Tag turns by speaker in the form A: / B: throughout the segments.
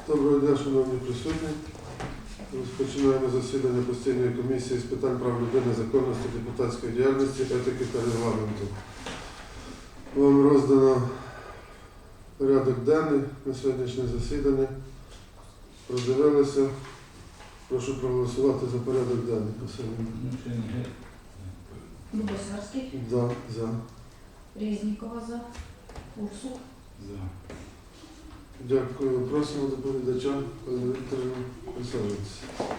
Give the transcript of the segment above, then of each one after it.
A: Доброго дня, шановні присутні. Розпочинаємо засідання постійної комісії з питань прав людини, законності, депутатської діяльності, етики та регламенту. Вам роздано порядок денний на сьогоднішнє засідання. Продивилися. Прошу проголосувати за порядок денний.
B: Дубосарський,
A: За.
B: Резнікова за, Урсук.
C: За.
A: Дякую. Просимо доповідача, пані Вікторівна, присаджуватися.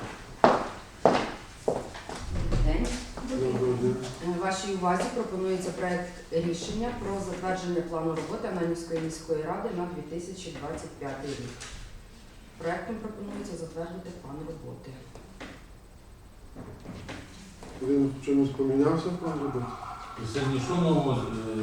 D: День.
A: Доброго дня.
D: Вашій увазі пропонується проект рішення про затвердження плану роботи Ананівської міської ради на 2025 рік. Проектом пропонується затвердити план роботи.
A: Він в чомусь помінявся, план роботи?
C: Сьогодні що нового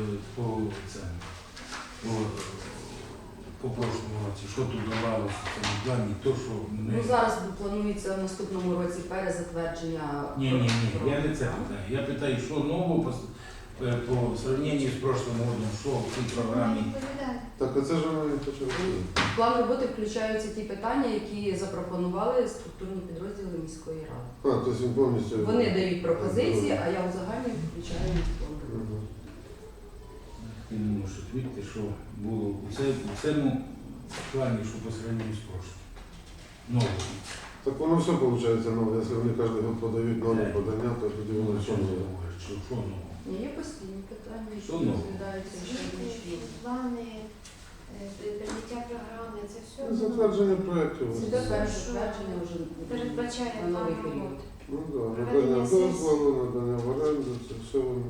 C: по прошлому році? Що тут давалося в цьому плані? То, що
D: Ну, зараз планується в наступному році перезатвердження.
C: Ні, я не це питаю. Я питаю, що нового по сравненню з прошлим роком, що в цій програмі?
A: Так, а це ж воно і почало.
D: В план роботи включаються ті питання, які запропонували структурні підрозділи міської ради.
A: А, тобто він повністю...
D: Вони дають пропозиції, а я узагальнюю включаю в план роботи.
A: Мгм.
C: Я не можу відповідати, що було у цьому плані, що по сравненню з прошлим. Нового.
A: Так воно все виходить нове. Якщо вони кожен год подають нові подання, то тоді воно все нове.
C: Що нового?
D: Ні, є постійні питання, які
C: Що нового?
D: розглядаються щодня.
E: Плани, прийняття програми, це все
A: Затвердження проєктів.
D: Це перше затвердження вже
E: передбачає
D: на новий
E: план
D: період.
E: роботи.
A: Ну так,
E: Проведення
A: надання
E: сесії.
A: дозволу, надання в оренду, це все воно.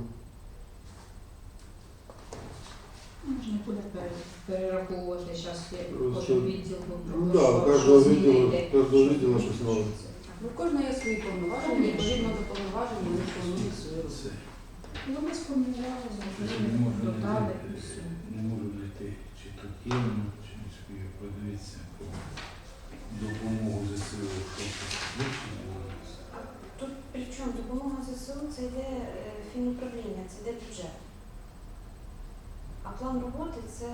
B: Можна буде перераховувати зараз
A: Просто-
B: кожен відділ.
A: Ну так, кожного відділу щось нове.
D: Ну, в кожного є свої повноваження, відповідно до повноважень вони планують свою роботу.
C: Це.
B: Ну, ми сформували,
C: Не
B: зробили,
C: можу
B: додали і
C: знайти,
B: все.
C: не можу знайти, чи тут є воно, чи не спію подивитися про допомогу ЗСУ, що тут вивчено було.
E: А тут при чому допомога ЗСУ це йде фінуправління, це йде бюджет. А план роботи це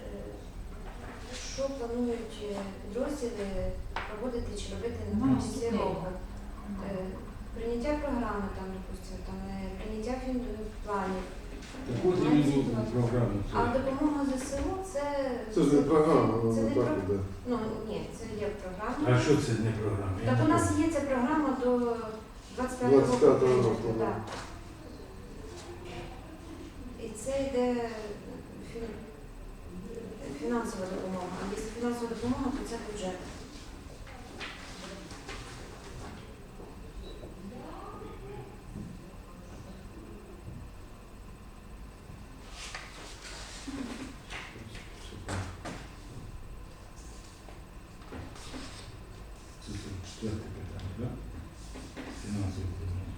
E: що планують підрозділи проводити чи робити на
B: Ну,
E: кінці
B: наступний
E: року. Прийняття програми, там, допустимо, прийняття планів.
C: Так от іменно програму.
E: А допомога ЗСУ це...
A: Це ж не програма,
E: Це
A: воно
E: не
A: так
E: про-
A: іде.
E: Ну, ні, це є програма.
C: А що це не програма? Я
E: Так
C: не
E: у нас
C: пам'ятаю.
E: є ця програма до 25
A: 25-го
E: року.
A: року, да.
E: Так. І це йде фінансова допомога. А якщо фінансова допомога, то це бюджет.
C: Це четверте питання, так? Фінансове питання.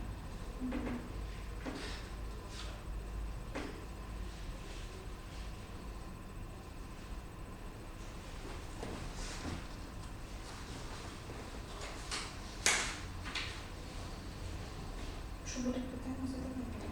E: Що буде питання задавати?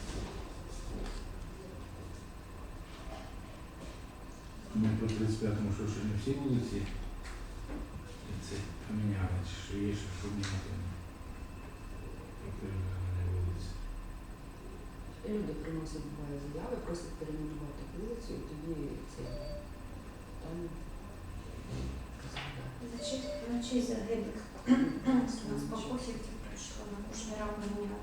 C: Ми по 35-му, що ще не всі вулиці це поміняли, чи що є, що міняти. По перейменованій вулиці.
D: Люди приносять буває заяви, просять перейменувати вулицю, і тоді це там розглядають.
E: На честь загиблих. У нас по Косівці прийшло на Кушнера поміняти.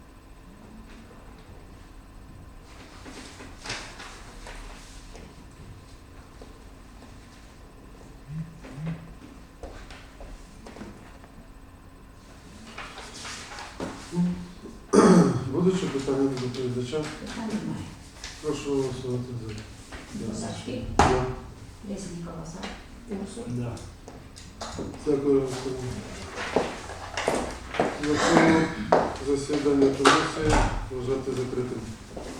A: Будуть ще питання до доповідача?
B: Питань немає.
A: Прошу голосувати за.
B: Дубосарський,
A: За.
B: Резнікова за, Урсук.
C: Да.
A: Дякую, Василь. На цьому засідання комісії вважати закритим.